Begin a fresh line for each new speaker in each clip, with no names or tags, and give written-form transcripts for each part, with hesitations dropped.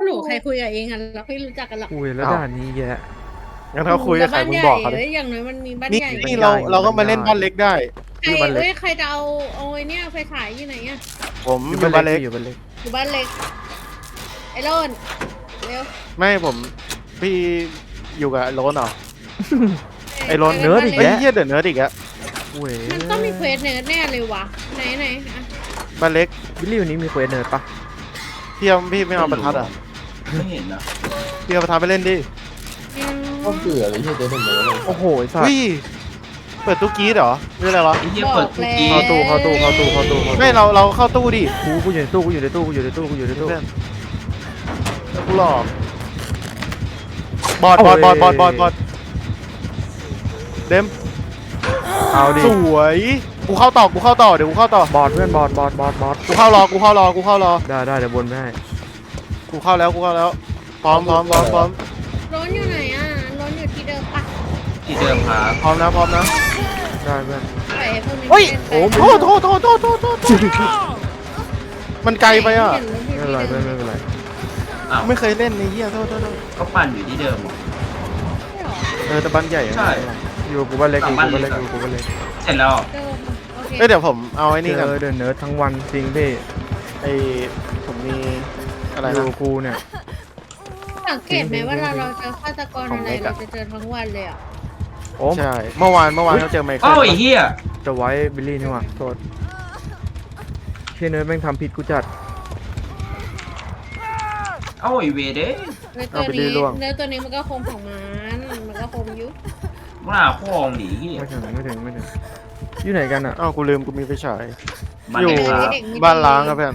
หนูใครคุยกับเองอะเราไม่รู้จักกันหรอก
คุยแล้วด่านนี้แยะ
งั้นเขาคุยกับใครมึงบอกเขา
เล
ดิ
ยอย่างน้อยมันมีบ้าน
นี่
ใหญ่
นี่เราก็มาเล่นบ้านเล็กได้
ใครเอ้ยใครจะเอาไอ้เนี่ยไฟฉายอยู่ไหนอะ
ผมอยู่บ้านเล็ก
อยู่บ้านเล็ก
อยู่บ้านเล็กไอ้โรนเร็ว
ไม่ผมพี่อยู่กับโรนเหรอไอ้โรน
เนื้อดิ
ไอ้เหี้ยเดือดเนื้ออีกอะ
เว้ย
มันต้องมีเควสเนิร์ดแน่เลยวะไหนอะ
บ้านเล็ก
บิลลี่วันนี้มีเควสเนิร์ดปะ
พี่ไม่เอาประทัดอ่ะ
ไม่เห็นนะ
พี่เอาประทัดไปเล่นดิ
ก็เบื่อเลยที่จะเป็นเหมือนเลย
โอ้โหไอ้สัตว์
วิ่เปิดตู้กรีดเหรอหรืออะไรวะ
ไอ้เหี้ยเปิดทุกที
เข้าตู้เข้าตู้เข้าตู้เข้าตู้
ไม่เราเข้าตู้ดิ
กูอยู่ในตู้กูอยู่ในตู้กูอยู่ในตู้กูอยู่ในตู้
เพื่อนกูหลอกบอดเดม
เอาดิ
สวยกูเข้าต่อเดี๋ยวกูเข้าต่อบ
อดเพื่อนบอด
กูเข้ารอ
ได้เดี๋ยวบนไม่ให้
กูเข้าแล้วพร้อม
ร้อนอยู่ไหนอะร้อนอยู่ที่เดิมปะ
ที่เดิมครับ
พร้อมนะ
ได้เพื่อน
ไปเพิ่ม
เฮ้ย
โอ้
โทษมันไกลไปอ่ะ
ไม่เป็นไรเพื่อนไม่เป็นไร
อ้าว
ไม่เคยเล่นในเหี้ยโทษ
ก็ปั่นอยู่ที่เดิมเหรอ
แต่บ้านใหญ่อะ
ใช่
อยู่กูบ้านเล็กอยู่กูบ้านเล็กอยู่กูบ้านเล็ก
เสร็จแล้ว
เอ้ยเดี๋ยวผมเอาไอ้นี่
เจ
กัน
อเดินเนิร์ดทั้งวันจริงพี่
ไอ้ผมมีอะไร
อยู่
นะ
กูเนี่ย
สังเกตไหมว่าเราเจอฆาตกรอะไรเราจะเจอทั้งวันเลยอ่ะ
โอ้
ใช่เมื่อวานเขาเจอไมเคิ
เอ้า
ล
ไอ้เหี้ย
จะไว้บิลลี่นี่หว่าโทษเชนเนิร์ดแม่งทำผิดกูจัด
เอ้าไอ้เวเด้
เนื้อตัวนี้มันก็คมของมันก็คมยุ
มึงหาพ่องหนีเหี้ย
ไม่ถึงอยู่ไหนกันอ่ะ
อ้าวกูลืมกูมีไฟฉาย
มัน
อยู่
เลยครับ
บ้านล้างครับเพื่อน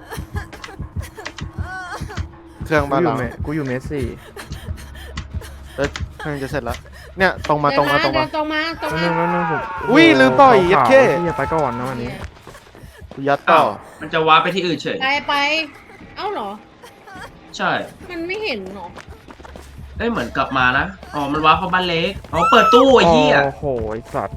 เครื่องบ้านล้าง
กูอยู่เมสซี่
แล้วเครื่องจะเสร็จแล้วเนี่ยตรงมา
ตรงมา
นั่นผม
อุ้ยลืมปล่อยยัดเข้
อย่าไปก่อนนะวันนี้
กูยัดต่อ
มันจะว้าร์ปไปที่อื่นเฉย
ไปเอ้าเหรอ
ใช่
มันไม่เห็นหรอ
เอ้ยเหมือนกลับมานะอ๋อมันว้าร์ปเข้าบ้านเล็กอ๋อเปิดตู้ไอ้เหี้ย
โอ้โหไอ้สัตว์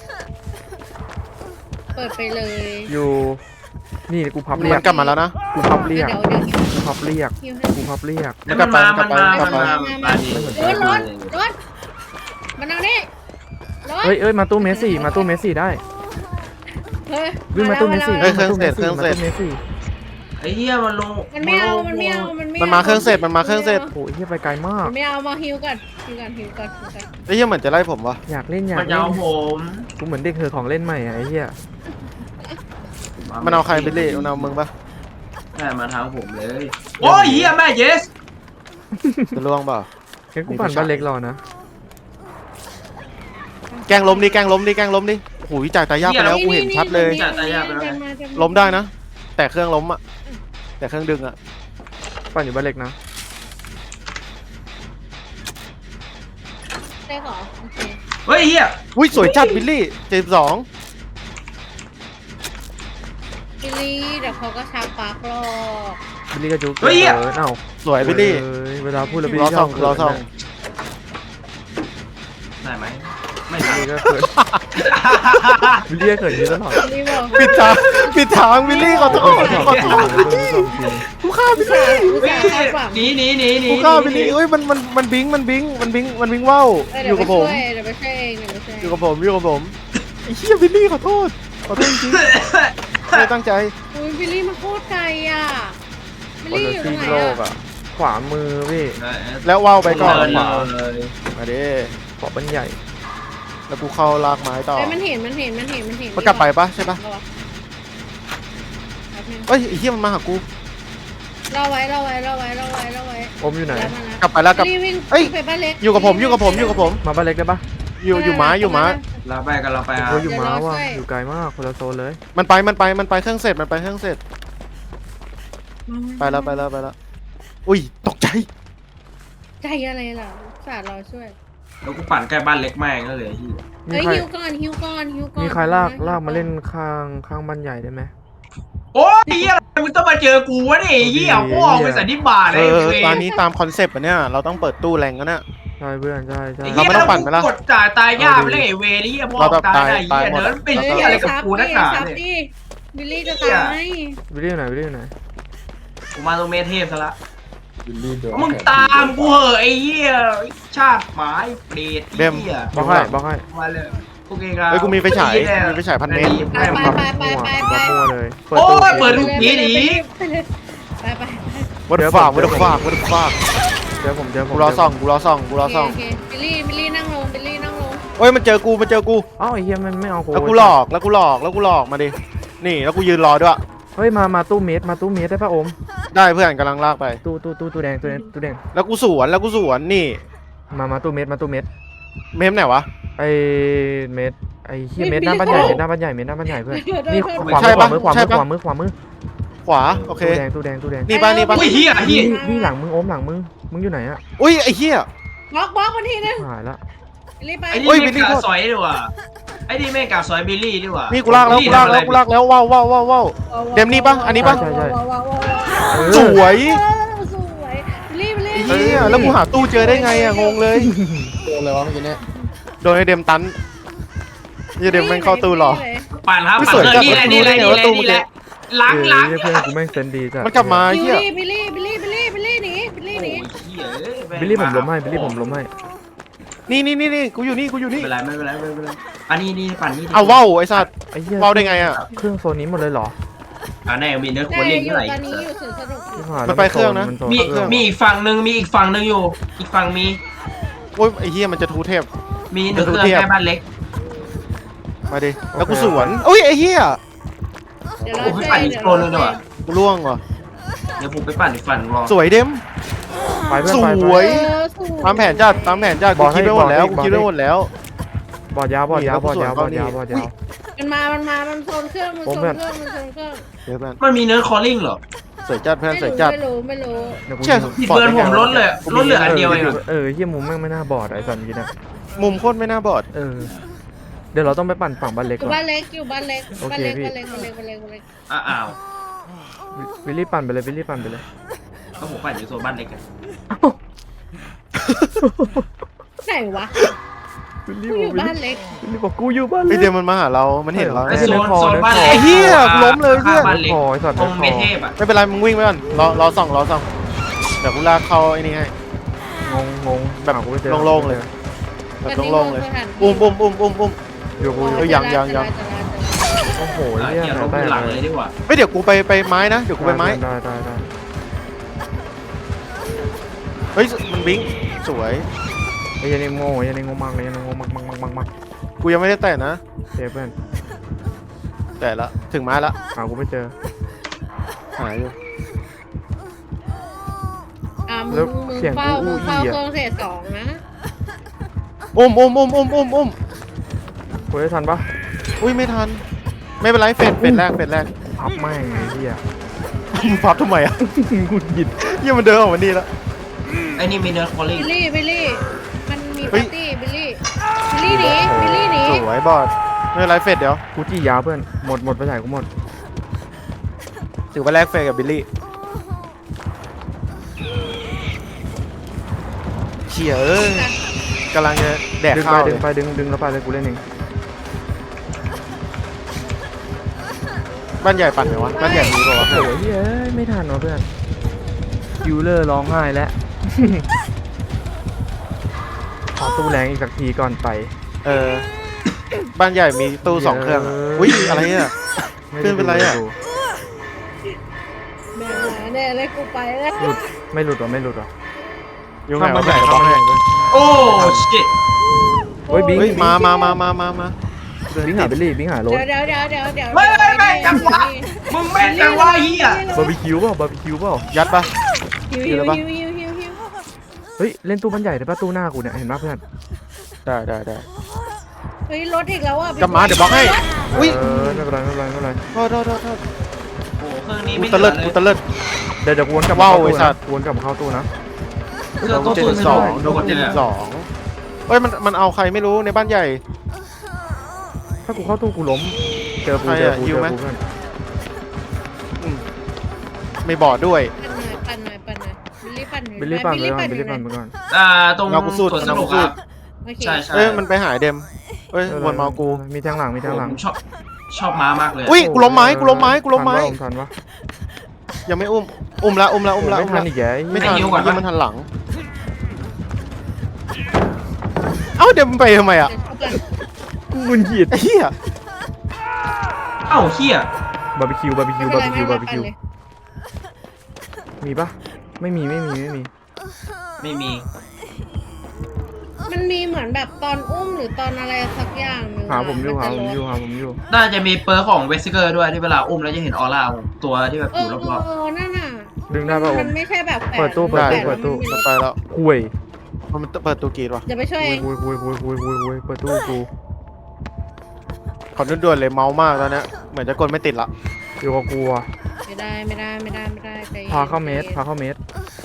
เปิดไปเลย
อยู่นี่กูพับเรีย
มั
ก
นกลับมาแล้วนะ
กูพับเรียก
เดี๋ยว
กูพับเรียก
ฮิวให้
กูพับเรียก
แล้วมันมา
กลับไป
มาดิ
ร้อนมันเอานี่ร้อน
เอ้ยมาตู้เมสซี่ได้
เฮ้ย
วิ่งมาตู้เมสซี่
เครื่องเสร็จ
ไอ้เหี้ยมันลง
มันไม่เอา
มันมาเครื่องเสร็จ
โอ้ยเฮียไปไกลมาก
มันไม่เอามาฮิวก่อน
ไอ้เหี้ยเหมือนจะไล่ผมวะ
อยากเล่น
มันจะเอาผม
กูเหมือนเด็กเหอะของเล่นใหม่อะไอ้เหี้ย
มันเอาใครไปเล่มันเอามึงปะ
แม่มาทางผมเลย โอ้ยเหี้ยแม่เยส
จะล่วงเปล่า
งั้นกูปั่นบ้านเล็กรอนะ
แกล้งล้มดิโอ้ยจ่ายตายากไปแล้วกูเห็นชัดเลย ล้มได้นะ แต่เครื่องล้มอะแต่เครื่องดึงอะ
ปั่นอยู่บ้านเล็กนะ
ได้หรอโอเค
เฮ้ยเหี้ย
อุ้ยสวยจัดบิลลี่72
บิลลี่เดี๋ยวเขาก็ชักปากหรอก
บิลลี่ก็จุกเอ้า
สวยบิลลี่
เวลาพูดแล้วบิล
รอ
ลี่
ส่องรอส่อง
ได้ไหมไม่
บิล
ได้
ลี่ก็เขินบิลลี่ก็เขินอยู่ตลอด
บิลลี่บอก
ปิดทางบิลลี่ขอโทษกูฆ่าบิลลี่
หนี
กูฆ่าบิลลี่เอ้ยมันบิงว่าวอยู่กับผม
เดี๋ยวไปช่วยเอง
อยู่กับผมไอ้เหี้ยบิลลี่ขอโทษจริงไม่ตั้งใจ
อุ้ยบิลลี่มาโคตรไกลอ่ะบิล
คน
ลี่
ละ
อยู่ตร
ซี
งไหน
โลก
อ่ะ
อ่ะขวามือพี่
แล้วว่าวไปก่อนขวา
เลย
มาดิ
ขวาบันใหญ่
แล้วกูเข้าลากไม้ต่อ
มันเห็นมัน
กลับไปปะใช่ปะเอ้ยไอ้เหี้ยมันมาหากู
เราไว้
อมอยู่ไหน
กลับไปแล้วกลับ
เอ้ยไปบ้านเล็ก
อยู่กับผม
มาบ้านเล็กได้ปะ
อยู่ม้า
เราไปกันเราไปอ่ะ
โอ้ยอยู่ม้าว่ะอยู่ไกลมากคนละโซนเลย
มันไปเครื่องเสร็จไปแล้วอุ้ยตกใจ
ใจอะไรล่ะสาเราช่วย
แล้วกูปั่นใกล้บ้านเล็กแม่งก็เลยที่
มี
เฮ้ย
ใคร
ฮิวก่อน
มีใครลากมาเล่นข้างบ้านใหญ่ได้ไหม
โอ้ยเหี้ยมึงต้องมาเจอกูวะเนี่ยเหี้ยพ่อไปสันนิบาตเลย
ตอนนี้ตามคอนเซปต์อ่ะเนี่ยเราต้องเปิดตู้แรงกันเนี่ย
ใช่เพื่อนใช่
เราไม่ต้องปั่นไปละ
กดจ่ายตายยากไปเลยไอ้เวนี่เหี้ยพ่อตายได้เหี้ยเนิร์ดเป็นเหี้ยอะไรกับกูนักหนาเนี่ย
บิลลี่จะตาย
วิลลี่อยู่ไหน
กูมาตรงเมเทพซะละ
บิลลี่โดน
มึงตามกูเหอะไอ้เหี้ยชาติหมายเปรตไอ้เหี้ย
บล็อกให้บล็อกให้
มาเลยโอเคครับ
เฮ้ยกูมีไฟฉายมีไฟฉาย1,000 เมตร
ไปไป
มั่วเลย
โอ้ยเปิด
ไป
ทุกทีหนี
ไป
วัดฝากวัดฝากวัดฝาก
เจอผมเจอผม
กูรอส่องกูรอส่องกูรอส่อง
โอเคบิลลี่นั่งลงบิลลี่นั่งลง
เฮ้ยมันเจอกูมันเจอกู
เอ้าไอ้เหี้ยมันไม่เอากู
แล้วกูหลอกแล้วกูหลอกแล้วกูหลอกมาดินี่แล้วกูยืนรอด้วย
เฮ้ยมาตู้เมตรมาตู้เมตรได้ป่ะโอม
ได้เพื่อนกำลังลากไป
ตู้แดงตู้แดง
แล้วกูสวนนี่
มาตู้เมตร
เมมไหนวะ
ไอ้เมตรไอ้เหี้ยเมตรหน้าบ้านใหญ่เมตรหน้าบ้านใหญ่เพื่อนนี่ขวามือขวามือ
ขวาโอเค
ตู้แดง
นี่ป่ะนี่ป่ะ
อุ้ยเหี้ยเหี้ย
นี่หลังมึงโอมหลังมึงอยู่ไหนอะ
อุ้ยไอ้เหี้ย
บล็อกวันทีนึง
หายละ
บิลลี่ไป
ไอ้
เฮ้
นี่
ย
แม่งกาซอยดีกว่าไอ้นี่แม่งกาซอยบิลลี่ดีกว่า
นี่กูลากแล้วว้าวเดมนี่ป่ะอันนี้ป่ะสวย
สวยบิลลี่
ไอ้เหี้ยแล้วกูหาตู้เจอได้ไงอะงงเลย
โดนอะไรวะเมื่อกี้เนี่ย
โดนไอ้เดมตันนี่เดมแม่งเข้าตู้หรอ
ปั่นครับปั่นเลยนี่แหละนี่แหละหลัง
เพื่อนกูแม่งเซนดีจ้ะ
มันกลับมาเหี้ย
บิลลี่หนีบิลลี่หนี
บิลลี่ผมล้มให้
นี่กูอยู่นี่
ไม่เป็นไรอันนี้ปั่นนี่
เอาว้าวไอ้สัตว์
ไอ้เหี้ย
ว้าวได้ไงอะ
เครื่องโซนนี้หมดเลยเหรอ
แน่มีเนื้อ
แต่
ควรเล่น
อยู่
เท่าไหร่
ตอนนี้อยู่สวนสนุก
มันไปเครื่องนะ
มีอีกฝั่งหนึ่งมีอีกฝั่งหนึ่งอยู่อีกฝั่งมี
โอ้ยไอ้เหี้ยมันจะทูเทพ
มีเนื้อเครื่องแค่บ้านเล็ก
มาดิแล้วกูสวนอุ้ยไอ้เหี้ย
เดี๋ยวเรา
โอ้ยปั่นอีกโซนนึงดีกว่า
กูล่วงว่ะ
เดี๋ยวผมไปปั่นอีกฝั่งรอ
สวยเดม
ไปเพื่อน
ส
ไป
วยตามแผนจัดกูคิดไว้หมดแล้วกูคิดไว้หมดแล้ว
บอดยาว
มัน
มันโซนเครื่องมันโซนเครื่อง
เดี๋ยวเพื่อน
มันมีเนื้อคอลลิ่งเหรอ
สวยจัดเพื่อนสวยจัด
ไม่รู้
เชี่ย
ที่เพื่อนผมลดเลยลดเหลืออันเดียวเอง
เฮียมุมแม่งไม่น่าบอดไอ้สันกี้นะ
มุมโคตรไม่น่าบอด
เดี๋ยวเราต้องไปปั่นฝั่งบ้านเล็ก
อยู่
ก่อน
บ้านเล็กบ้านเล็ก
วิลลี่ปั่นไปเลย
ก็ผมปั่นอยู่โซนบ้านเล็กกัน
ไหนวะ
วิล
กู
ลี่
อยู่บ้านเล็ก
บอกกูอยู่บ้าน
ไอ
เล็ก
เดมมันมาหาเรา มันเห็นเรา
ไอ้โซนบ้านเล็ก
ไอ้เหี้ยล้มเลยเพื่อน
บ้านเล็ก
คอไอ้สัตว์
ตรงเมเทพอ่ะ
ไม่เป็นไรมึงวิ่งไปก่อนรอส่องเดี๋ยวกูลากเข้าไอ้นี่ให้
งงแบบโล่งๆเลย
แบบโล่งๆเลยอุ้ม
อยู่กู โอ้โห
เฮียลงหลังเลยดีกว่า
ไม่เดี๋ยวกูไปไม้นะเดี๋ยวกูไปไม้
ได้
เฮ้ยมันบิงสวย
ไอ้ยันนี่โง่มากเลยมาก
กูยังไม่ได้แตะนะ
เพื่อน
แต่ละถึงไม้ละ
หากูไม่เจอ
หายอยู่
มึงเฝ้าเครื่องเศษ2นะ
อุ้ม
กูได้ทันปะ
อุ้ยไม่ทันไม่เป็นไรเฟดแรก
พับแม่งไอ้เหี้ย
มึงพับทำไมอ่ะ
กูหยิบ
เหี้ยมันเดินออกมานี่แล้ว
ไอ้นี่มีเนื้อคอลลิ่ง
บิลลี่มันมีปาร์ตี้บิลลี่หนี
สวยบอดไม่เป็นไรเฟดเดี๋ยว
กูจี้ยาวเพื่อนหมดไปไหนกูหมด
ถือว่าแลกเฟดกับบิลลี่เขี่ยกำลังจะแดก
ดึง
ข้าว
ไป
เล
ดึ
ย
งไปดึงแล้วไปเลยกูเล่นเอง
บ้านใหญ่ปั่นไหมวะบ้านใหญ่มีป่าวะ
โอ้ยเฮ้ยไม่ทันเนาะเพื่อนคิวเลอร์ร้องไห้แล้ว ขอตู้แรงอีกสักทีก่อนไป
บ้านใหญ่มีตู้2 เครื่องอะอุ้ยอะไรอ่ะ ขึ้นเป็นไรอะ
แน่เลยกูไปแล้ว
หลุดไม่หลุดหรอ
ยุ่งไง
ข้าม
วะ
บ้านใหญ่ข้ามบ้านใหญ่เพื่อน
โอ้ชิต
เฮ้ยบิง
เฮ้ยมา
บิงหาบิลลี่บิงหารถ
เดี๋ยว
ไม่จังหวะมึงแม่งจังหวะเฮีย
บาร์บีคิวเปล่า
ยัดปะ
ฮิว
เฮ้ยเล่นตู้บ้านใหญ่ได้ป่ะตู้หน้ากูเนี่ยเห็นป่ะเพื่อน
ได้
เฮ้ยรถอีกแล้วอ่ะ
กลับมาเดี๋ยวบล็อกให้อุ้ย
ไม่เป็นไร
โทษ
โอ้เครื่องนี้
กู
ไม่
ตะเลิด
เดี๋ยวกูวนกลับ
ว้าว
เข้า
ไอ้
ตู้
สั
นะ
ตว์
วนกลับเข้าตู้นะ
เครื่องตู้
72โดน72เฮ้ยมันเอาใครไม่รู้ในบ้านใหญ่
ถ้ากูเข้าตู้กูล้มเจอกู
ใครอะ
เจ
ยิ
อ
วไหม
กูเพื่อน
ไม่บอดด้วย
ปั่นหน่อยบิลลี่
บิลลี่ปั่นไปก่อน
ตรง
เงากูสุด
สนุกครับใช่
เอ้ยมันไปหายเดมเอ้ยวนมากู
มีทางหลัง
ผมชอบม้ามากเลย
อุ้ยกูล้มไม้
ทันปะ
ยังไม่อุ้มอุ้มละอุ้มละอุ้มละ
ไม่
อุ้ม
ทั
ละ
นอีกแก
ไม่ทันยังมันทันหลังเอ้าเดี๋ยวมันไปทำไมอ่ะ
เดี๋ยวเข้ากัน
มึงหยิด
ไอ้เหี้ย
เอ้าเฮีย
บาร์บีคิวบาร์บีคิวบาร์บีคิวบาร์บีคิว
เลย
มีปะไม่มี
ไม่มี
มันมีเหมือนแบบตอนอุ้มหรือตอนอะไรสักอย่างหนึง
หาผมอยู่
น
หา
จะ
ผม
ลด
อยู่หาผมอยู่
น่าจะมีเปอร์ของเวสเกอร์ด้วยที่เวลาอุ้มแล้วจะเห็นออร่าตัวที่แบบ
เอ
อยู่
อ
รอบ
นั่นน่ะ
ดึงได้ปะโอ
มั
ม
นไม่ใช่แบบแฝ
เปิดตู้เปิด
ได้
เปิดตู้
มันไปแล้ว
คุย
มันเปิดตัวกรีดว่ะ
เดี๋ยวไปช่วยเอง
คุยเปิดตู้กู
ขอด่วนๆเลยเมามากแล้วเนี่ยเหมือนจะกดไม่ติดละ
อยู่กับกูอะ
ไม่ได้ใจย็น
พาเข้าเมตร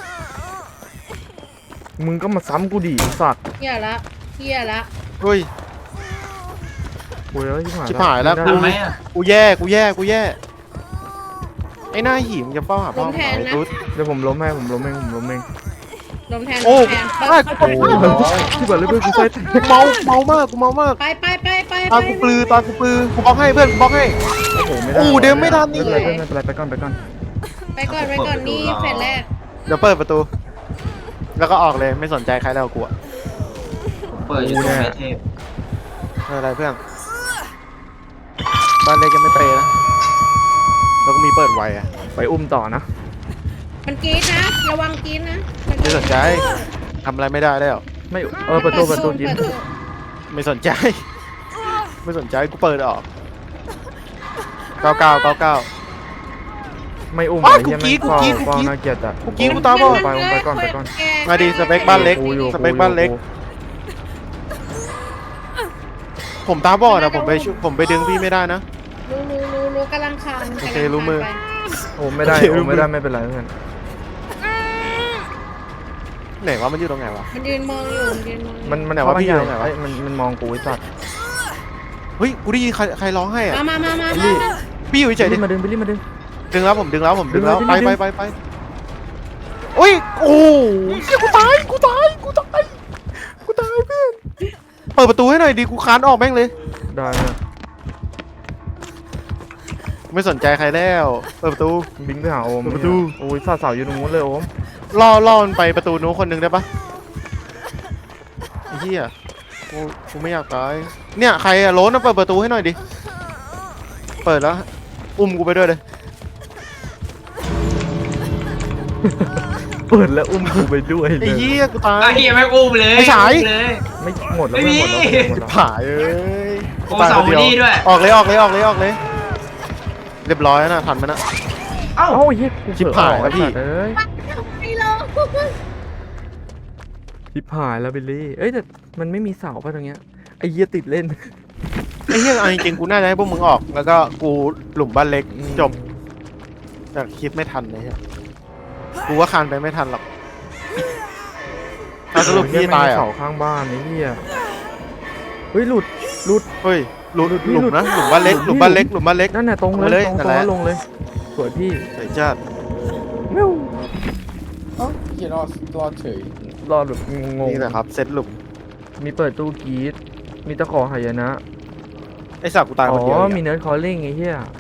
มึงก็มาซ้ำกูดิไอ้สัตว์
เฮียละ
เฮ้ย
คุยแล้วชิบหาย
ชิบหายแล้ว
ไม่
ๆ
ได้
ทำไหมอ่ะ
กูแย่ไอ้หน้าหิมจะเฝ้าหาพ่อหาไอ้ตุ๊ด
เดี๋ยวผมล้มให้ผมล้มเอง
ลมแทน
โอ้
ลมแทน
ได้กู
โอ้ยที่เปิดเลยเพื่อนกูใส่
เมามากกูเมามาก
ไป
ตากูปลือกูบล็อกให้เพื่อนกูบล็อกให้
โอ้โหไม่ได้
โอ้เดินไม่ทันนี่
ไม่เป็นไรไปก่อน
ไปก่อนนี่เฟสแรก
เดี๋ยวเปิดประตู แล้วก็ออกเลยไม่สนใจใครแล้วกูอะ
เปิดอยู่ตรงเมเทพ
ไม่เป็นไรเพื่อนบ้านเล็กยังไม่เปย์นะแล้วก็มีเปิดไวอะ
ไปอุ้มต่อนะ
มันกรีดนะระวังกรีดนะ
ไม่สนใจทำอะไรไม่ได้แล้ว
ไม่เปิดตู้กิน
ไม่สนใจ ไม่สนใจกูเปิดออก99
ไม่อุ้ม
อ้าว
ไอ้เหี้ย
กูกรี๊ด
เฝ้าน่าเกลียดอ่ะ
กูกรี๊ดกูตาบอด
ไปก่อน
มาดีสเปคบ้านเล็ก
กูอยู่
สเปคบ้านเล็ก ผมตาบอดอะผมไปดึงพี่ไม่ได้นะ
รู้กำลังคาน
โอเครู้มือ
โอ้ไม่ได้
โอเค
โอ้ไม่ได้ไม่เป็นไรเพื่อน
ไหนวะมันอยู่ตรงไหนวะ
มันยืนมองอยู่
มัน
ไหนวะพี่อยู่ไหนวะ
มันมองกูไอ้สัตว์
เฮ้ยกูได้ยินใครร้องให้อะ
มา
พี่อยู่เฉยๆดิ
มาดึงดึง
ดึงแล้วผมดึงแล้ว
ดึง
ไปโอ้ยโอ้ยเหี้ยกูตายเพื่อนเปิดประตูให้หน่อยดิกูคานออกแม่งเลย
ได้นะ
ไม่สนใจใครแล้วเปิดประตู
บิงไปหาโอม
เปิดประตู
โอ้ยสาวอยู่ตรงนู้นเลยโอม
ล่อมันไปประตูนู้นคนหนึ่งได้ปะไอ้เหี้ยกูไม่อยากตายเนี่ยใครอะโล้นนะเปิดประตูให้หน่อยดิเปิดแล้วอุ้มกูไปด้วยเลย
เปิดแล้วอุ้มกูไปด้วยเล
ไอ้
ย
เหี้ยกูตาย
ไอ้เฮียไม่อุ้มเลย
ไอ้ฉาย
เลย
ไม่หมดแล้ว
ไม่มี
หมดแล้ว
ผ่าเอ้ย
โอ้เสาร์นี้ด้วย
ออกเลยเรียบร้อยแล้วนะทันไหมนะ
เอ้า
เอ้าเหี้ยกู
ชิบหายแล้วพี่
เอ้ย
ไม่ลง
ชิบหายแล้วบิลลี่เอ้ยแต่มันไม่มีเสาป่ะตรงเนี้ยไอ้เหี้ยติดเล่น
ไอ้เหี้ยเอาจริงๆกูน่าจะให้พวกมึงออกแล้วก็กูหลุมบ้านเล็กจบแต่คิดไม่ทันเลยฮะกูว่าคานไปไม่ทันหรอกสรุปพี่ตาย
เหี้
อ่ะ
เสาข้างบ้านไอ้เหี้ยเฮ้ยหลุด
เฮ้ยหลุม
หลุด
นะหลุมบ้านเล็กหลุมบ้านเล็ก
นั่นน่ะตรง
ลงมา
เล
เลย
ยตรง
นั่นแหละ
แล้วลงเลยสวยพี่
ไอ้จ้า
เมิว
เอ้าเฮียรอดเฉย
รอดแบบงง
นี่แหละครับเซตหลุม
มีเปิดตู้กรีดมีตะขอหายนะ
ไอ้สักกูตาย
อ๋
คนเดียว
อ
อีก
มี
อะ
เนิร์ดคอลลิ่งไอ้เหี้ย